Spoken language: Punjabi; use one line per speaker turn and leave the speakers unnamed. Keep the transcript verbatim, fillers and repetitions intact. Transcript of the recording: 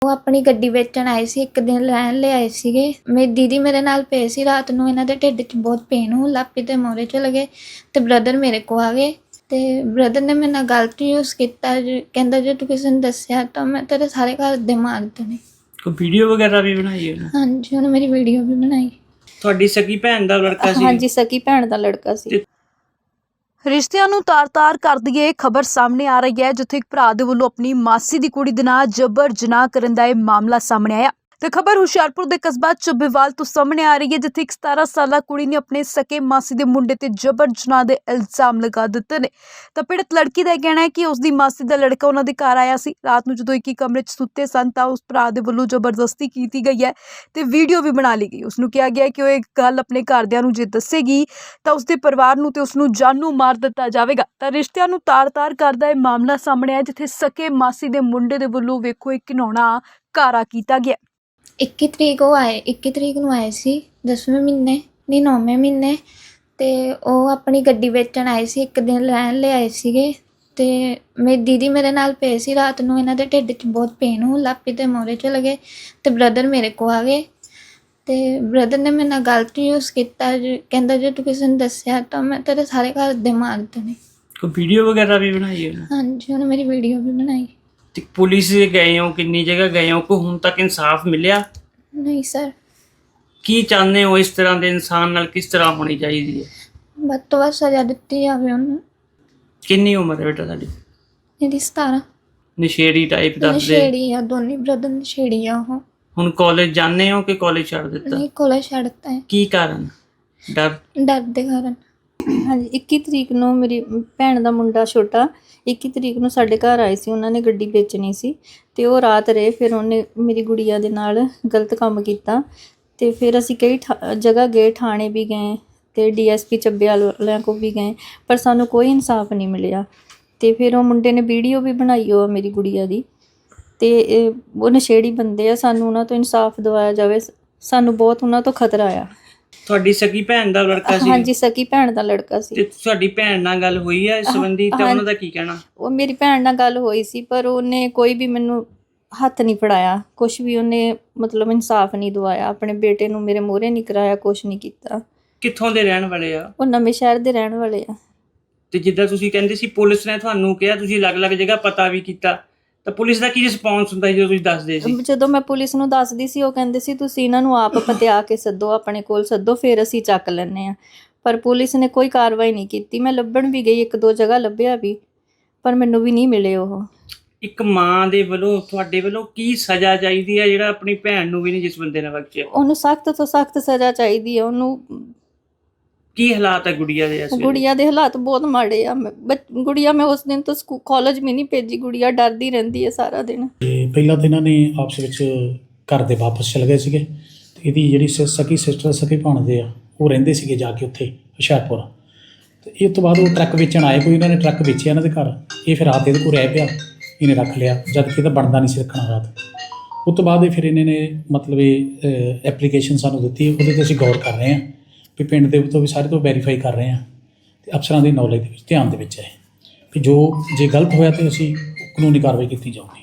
ਉਹ ਆਪਣੀ ਗੱਡੀ ਵੇਚਣ ਆਏ ਸੀ, ਇੱਕ ਦਿਨ ਰਹਿਣ ਲਈ ਆਏ ਸੀਗੇ। ਮੇਰੀ ਦੀਦੀ ਮੇਰੇ ਨਾਲ ਪਏ ਸੀ। ਰਾਤ ਨੂੰ ਇਹਨਾਂ ਦੇ ਢਿੱਡ 'ਚ ਬਹੁਤ ਪੇਨ ਹੋਣ ਲੱਗ ਪਈ ਤੇ ਮੋਰੇ ਚਲੇ ਗਏ ਤੇ ਬ੍ਰਦਰ ਮੇਰੇ ਕੋਲ ਆ ਗਏ ਤੇ ਬ੍ਰਦਰ ਨੇ ਮੇਰੇ ਨਾਲ ਗਲਤ ਯੂਜ਼ ਕੀਤਾ। ਕਹਿੰਦਾ ਜੇ ਤੂੰ ਕਿਸੇ ਨੂੰ ਦੱਸਿਆ ਤਾਂ ਮੈਂ ਤੇਰੇ ਸਾਰੇ ਘਰ ਦੇ ਮਾਰ ਦੇਣੇ।
ਕੋਈ ਵੀਡੀਓ ਵਗੈਰਾ ਵੀ ਬਣਾਈ ਹੈ?
ਹਾਂਜੀ, ਉਹਨੇ ਮੇਰੀ ਵੀਡੀਓ ਵੀ ਬਣਾਈ।
ਤੁਹਾਡੀ ਸਕੀ ਭੈਣ ਦਾ ਲੜਕਾ ਸੀ?
ਹਾਂਜੀ, ਸਕੀ ਭੈਣ ਦਾ ਲੜਕਾ ਸੀ।
ਰਿਸ਼ਤਿਆਂ ਨੂੰ ਤਾਰ-ਤਾਰ ਕਰਦੀ ਇਹ ਖਬਰ ਸਾਹਮਣੇ ਆ ਰਹੀ ਹੈ, ਜਿੱਥੇ ਇੱਕ ਭਰਾ ਦੇ ਵੱਲੋਂ ਆਪਣੀ ਮਾਸੀ ਦੀ ਕੁੜੀ ਦੇ ਨਾਲ ਜਬਰ ਜਨਾਹ ਕਰਨ ਦਾ ਇਹ ਮਾਮਲਾ ਸਾਹਮਣੇ ਆਇਆ। ਤੇ ਖਬਰ ਹੁਸ਼ਿਆਰਪੁਰ ਦੇ ਕਸਬਾ ਚੱਬੇਵਾਲ ਤੋਂ ਸਾਹਮਣੇ ਆ ਰਹੀ ਹੈ, ਜਿੱਥੇ ਇੱਕ ਸਤਾਰਾਂ ਸਾਲਾ ਕੁੜੀ ਨੇ ਆਪਣੇ ਸਕੇ ਮਾਸੀ ਦੇ ਮੁੰਡੇ ਤੇ ਜਬਰ ਜਨਾਹ ਦੇ ਇਲਜ਼ਾਮ ਲਗਾ ਦਿੱਤੇ ਨੇ। ਤਾਂ ਪੀੜਤ ਲੜਕੀ ਦਾ ਇਹ ਕਹਿਣਾ ਹੈ ਕਿ ਉਸ ਦੀ ਮਾਸੀ ਦਾ ਲੜਕਾ ਉਹਨਾਂ ਦੇ ਘਰ ਆਇਆ ਸੀ। ਰਾਤ ਨੂੰ ਜਦੋਂ ਇੱਕ ਹੀ ਕਮਰੇ 'ਚ ਸੁੱਤੇ ਸਨ ਤਾਂ ਉਸ ਭਰਾ ਦੇ ਵੱਲੋਂ ਜ਼ਬਰਦਸਤੀ ਕੀਤੀ ਗਈ ਹੈ ਤੇ ਵੀਡੀਓ ਵੀ ਬਣਾ ਲਈ ਗਈ। ਉਸ ਨੂੰ ਕਿਹਾ ਗਿਆ ਕਿ ਉਹ ਇਹ ਗੱਲ ਆਪਣੇ ਘਰਦਿਆਂ ਨੂੰ ਜੇ ਦੱਸੇਗੀ ਤਾਂ ਉਸਦੇ ਪਰਿਵਾਰ ਨੂੰ ਤੇ ਉਸ ਨੂੰ ਜਾਨੋਂ ਮਾਰ ਦਿੱਤਾ ਜਾਵੇਗਾ। ਤਾਂ ਰਿਸ਼ਤਿਆਂ ਨੂੰ ਤਾਰ-ਤਾਰ ਕਰਦਾ ਇਹ ਮਾਮਲਾ ਸਾਹਮਣੇ ਆਇਆ, ਜਿੱਥੇ ਸਕੇ ਮਾਸੀ ਦੇ ਮੁੰਡੇ ਦੇ ਵੱਲੋਂ ਵੇਖੋ ਇੱਕ ਘਿਨਾਉਣਾ ਕਾਰਾ ਕੀਤਾ ਗਿਆ।
ਇੱਕੀ ਤਰੀਕ ਉਹ ਆਏ ਇੱਕੀ ਤਰੀਕ ਨੂੰ ਆਏ ਸੀ, ਦਸਵੇਂ ਮਹੀਨੇ ਨਹੀਂ ਨੌਵੇਂ ਮਹੀਨੇ। ਅਤੇ ਉਹ ਆਪਣੀ ਗੱਡੀ ਵੇਚਣ ਆਏ ਸੀ, ਇੱਕ ਦਿਨ ਰਹਿਣ ਲਈ ਆਏ ਸੀਗੇ। ਅਤੇ ਮੇਰੀ ਦੀਦੀ ਮੇਰੇ ਨਾਲ ਪਏ ਸੀ। ਰਾਤ ਨੂੰ ਇਹਨਾਂ ਦੇ ਢਿੱਡ 'ਚ ਬਹੁਤ ਪੇਨ ਹੋਣ ਲੱਗ ਪਈ ਤੇ ਮੋਰੇ ਚਲੇ ਗਏ ਅਤੇ ਬ੍ਰਦਰ ਮੇਰੇ ਕੋਲ ਆ ਗਏ ਅਤੇ ਬ੍ਰਦਰ ਨੇ ਮੇਰੇ ਨਾਲ ਗਲਤ ਯੂਜ਼ ਕੀਤਾ। ਕਹਿੰਦਾ ਜੇ ਤੂੰ ਕਿਸੇ ਨੂੰ ਦੱਸਿਆ ਤਾਂ ਮੈਂ ਤੇਰੇ ਸਾਰੇ ਘਰ ਦੇ ਮਾਰ ਦੇਣੇ।
ਕੋਈ ਵੀਡੀਓ ਵਗੈਰਾ ਵੀ ਬਣਾਈ ਹੈ?
ਹਾਂਜੀ, ਉਹਨੇ ਮੇਰੀ ਵੀਡੀਓ ਵੀ ਬਣਾਈ।
ਤੇ ਪੁਲਿਸ ਗਏ ਹੋ, ਕਿੰਨੀ ਜਗ੍ਹਾ ਗਏ ਹੋ, ਕੋਈ ਹੁਣ ਤੱਕ ਇਨਸਾਫ ਮਿਲਿਆ?
ਨਹੀਂ ਸਰ।
ਕੀ ਚਾਹੁੰਦੇ ਹੋ? ਇਸ ਤਰ੍ਹਾਂ ਦੇ ਇਨਸਾਨ ਨਾਲ ਕਿਸ ਤਰ੍ਹਾਂ ਹੋਣੀ ਚਾਹੀਦੀ ਹੈ?
ਵੱਧ ਤੋਂ ਵੱਧ ਸਜ਼ਾ ਦਿੱਤੀ ਜਾਵੇ ਉਹਨੂੰ।
ਕਿੰਨੀ ਉਮਰ ਹੈ ਬੇਟਾ ਤੁਹਾਡੀ?
ਇਹਦੀ ਸਤਾਰਾਂ।
ਨਸ਼ੇੜੀ ਟਾਈਪ ਦੱਸਦੇ?
ਨਸ਼ੇੜੀ ਆ, ਦੋਨੇ ਬ੍ਰਦਰ ਨਸ਼ੇੜੀ ਆ ਉਹ।
ਹੁਣ ਕਾਲਜ ਜਾਂਦੇ ਹੋ ਕਿ ਕਾਲਜ ਛੱਡ ਦਿੱਤਾ?
ਨਹੀਂ, ਕੋਲੇ ਛੱਡਤਾ ਹੈ।
ਕੀ ਕਾਰਨ? ਡਰ?
ਡਰ ਦੇ ਕਾਰਨ।
ਹਾਂਜੀ, ਇੱਕੀ ਤਰੀਕ ਨੂੰ ਮੇਰੀ ਭੈਣ ਦਾ ਮੁੰਡਾ ਛੋਟਾ ਇੱਕੀ ਤਰੀਕ ਨੂੰ ਸਾਡੇ ਘਰ ਆਏ ਸੀ। ਉਹਨਾਂ ਨੇ ਗੱਡੀ ਵੇਚਣੀ ਸੀ ਅਤੇ ਉਹ ਰਾਤ ਰਹੇ। ਫਿਰ ਉਹਨੇ ਮੇਰੀ ਗੁੜੀਆ ਦੇ ਨਾਲ ਗਲਤ ਕੰਮ ਕੀਤਾ ਅਤੇ ਫਿਰ ਅਸੀਂ ਕਈ ਠਾ ਜਗ੍ਹਾ ਗਏ, ਥਾਣੇ ਵੀ ਗਏ ਅਤੇ ਡੀ ਐਸ ਪੀ ਚੱਬੇਵਾਲ ਵਾਲਿਆਂ ਕੋਲ ਵੀ ਗਏ, ਪਰ ਸਾਨੂੰ ਕੋਈ ਇਨਸਾਫ ਨਹੀਂ ਮਿਲਿਆ। ਅਤੇ ਫਿਰ ਉਹ ਮੁੰਡੇ ਨੇ ਵੀਡੀਓ ਵੀ ਬਣਾਈ ਉਹ ਮੇਰੀ ਗੁੜੀਆ ਦੀ, ਅਤੇ ਉਹ ਨਸ਼ੇੜੀ ਬੰਦੇ ਆ। ਸਾਨੂੰ ਉਹਨਾਂ ਤੋਂ ਇਨਸਾਫ ਦਿਵਾਇਆ ਜਾਵੇ, ਸਾਨੂੰ ਬਹੁਤ ਉਹਨਾਂ ਤੋਂ ਖਤਰਾ ਆ।
ਤੁਹਾਡੀ ਸਕੀ ਭੈਣ ਦਾ ਲੜਕਾ ਸੀ?
ਹਾਂਜੀ, ਸਕੀ ਭੈਣ ਦਾ ਲੜਕਾ ਸੀ।
ਤੇ ਤੁਹਾਡੀ ਭੈਣ ਨਾਲ ਗੱਲ ਹੋਈ ਹੈ ਇਸ ਸੰਬੰਧੀ ਤਾਂ ਉਹਨਾਂ ਦਾ ਕੀ ਕਹਿਣਾ?
ਉਹ ਮੇਰੀ ਭੈਣ ਨਾਲ ਗੱਲ ਹੋਈ ਸੀ, ਪਰ ਉਹਨੇ ਕੋਈ ਵੀ ਮੈਨੂੰ ਹੱਥ ਨਹੀਂ ਫੜਾਇਆ, ਕੁਛ ਵੀ ਉਹਨੇ ਮਤਲਬ ਇਨਸਾਫ ਨਹੀਂ ਦਵਾਇਆ। ਆਪਣੇ ਬੇਟੇ ਨੂੰ ਮੇਰੇ ਮੂਹਰੇ ਨਹੀਂ ਕਰਾਇਆ, ਕੁਛ ਨਹੀਂ ਕੀਤਾ।
ਕਿੱਥੋਂ ਦੇ ਰਹਿਣ ਵਾਲੇ ਆ?
ਉਹ ਨਵੇਂ ਸ਼ਹਿਰ ਦੇ ਰਹਿਣ ਵਾਲੇ ਆ।
ਤੇ ਜਿੱਦਾਂ ਤੁਸੀਂ ਕਹਿੰਦੇ ਸੀ ਪੁਲਿਸ ਨੇ ਤੁਹਾਨੂੰ ਕਿਹਾ, ਤੁਸੀਂ ਅਲੱਗ-ਅਲੱਗ ਜਗ੍ਹਾ ਪਤਾ ਵੀ ਕੀਤਾ, ਤਾਂ ਪੁਲਿਸ ਦਾ ਕੀ ਰਿਸਪੌਂਸ ਹੁੰਦਾ ਸੀ ਜਦੋਂ ਤੁਸੀਂ ਦੱਸਦੇ ਸੀ?
ਜਦੋਂ ਮੈਂ ਪੁਲਿਸ ਨੂੰ ਦੱਸਦੀ ਸੀ, ਉਹ ਕਹਿੰਦੇ ਸੀ ਤੁਸੀਂ ਇਹਨਾਂ ਨੂੰ ਆਪ ਪਤਿਆ ਕੇ ਸੱਦੋ, ਆਪਣੇ ਕੋਲ ਸੱਦੋ, ਫਿਰ ਅਸੀਂ ਚੱਕ ਲੈਂਦੇ ਹਾਂ। ਪਰ ਪੁਲਿਸ ਨੇ ਕੋਈ ਕਾਰਵਾਈ ਨਹੀਂ ਕੀਤੀ। ਮੈਂ ਲੱਭਣ ਵੀ ਗਈ, ਇੱਕ ਦੋ ਜਗ੍ਹਾ ਲੱਭਿਆ ਵੀ, ਪਰ ਮੈਨੂੰ ਵੀ ਨਹੀਂ ਮਿਲੇ ਉਹ।
ਇੱਕ ਮਾਂ ਦੇ ਵੱਲੋਂ ਤੁਹਾਡੇ ਵੱਲੋਂ ਕੀ ਸਜ਼ਾ ਚਾਹੀਦੀ ਹੈ ਜਿਹੜਾ ਆਪਣੀ ਭੈਣ ਨੂੰ ਵੀ ਨਹੀਂ ਜਿਸ ਬੰਦੇ ਨੇ ਬਖਸ਼ਿਆ?
ਉਹਨੂੰ ਸਖਤ ਤੋਂ ਸਖਤ ਸਜ਼ਾ ਚਾਹੀਦੀ ਹੈ। ਉਹਨੂੰ
ਕੀ ਹਾਲਾਤ ਹੈ ਗੁੜੀਆ ਦੇ ਇਸ ਵੇਲੇ?
ਗੁੜੀਆ ਦੇ ਹਾਲਾਤ ਬਹੁਤ ਮਾੜੇ ਆ। ਗੁੜੀਆ ਮੈਂ ਉਸ ਦਿਨ ਤੋਂ ਸਕੂ ਕਾਲਜ ਵੀ ਨਹੀਂ ਭੇਜੀ। ਗੁੜੀਆ ਡਰਦੀ ਰਹਿੰਦੀ ਹੈ ਸਾਰਾ ਦਿਨ।
ਤੇ ਪਹਿਲਾਂ ਤਾਂ ਇਹਨਾਂ ਨੇ ਆਪਸ ਵਿੱਚ ਘਰ ਦੇ ਵਾਪਸ ਚਲੇ ਗਏ ਸੀਗੇ ਤੇ ਇਹਦੀ ਜਿਹੜੀ ਸ ਸਕੀ ਸਿਸਟਰ ਸਕੀ ਭਾਣਦੇ ਆ ਉਹ ਰਹਿੰਦੇ ਸੀਗੇ ਜਾ ਕੇ ਉੱਥੇ ਹੁਸ਼ਿਆਰਪੁਰ। ਤੇ ਇਹ ਤੋਂ ਬਾਅਦ ਉਹ ਟਰੱਕ ਵੇਚਣ ਆਏ, ਕੋਈ ਇਹਨਾਂ ਨੇ ਟਰੱਕ ਵੇਚਿਆ ਇਹਨਾਂ ਦੇ ਘਰ। ਇਹ ਫਿਰ ਰਾਤ ਇਹਦੇ ਕੋਲ ਰਹਿ ਪਿਆ, ਇਹਨੇ ਰੱਖ ਲਿਆ, ਜਦ ਕਿ ਇਹਦਾ ਬਣਦਾ ਨਹੀਂ ਸੀ ਰੱਖਣਾ ਰਾਤ। ਉਸ ਤੋਂ ਬਾਅਦ ਇਹ ਫਿਰ ਇਹਨਾਂ ਨੇ ਮਤਲਬ ਇਹ ਐਪਲੀਕੇਸ਼ਨ ਸਾਨੂੰ ਦਿੱਤੀ, ਉਹਦੇ 'ਤੇ ਅਸੀਂ ਗੌਰ ਕਰ ਰਹੇ ਹਾਂ ਵੀ ਪਿੰਡ ਦੇ ਤੋਂ ਵੀ ਸਾਰੇ ਤੋਂ ਵੈਰੀਫਾਈ ਕਰ ਰਹੇ ਹਾਂ ਅਤੇ ਅਫਸਰਾਂ ਦੀ ਨੌਲੇਜ ਦੇ ਵਿੱਚ ਧਿਆਨ ਦੇ ਵਿੱਚ ਹੈ ਵੀ ਜੋ ਜੇ ਗਲਤ ਹੋਇਆ ਤਾਂ ਅਸੀਂ ਕਾਨੂੰਨੀ ਕਾਰਵਾਈ ਕੀਤੀ ਜਾਊਗੀ।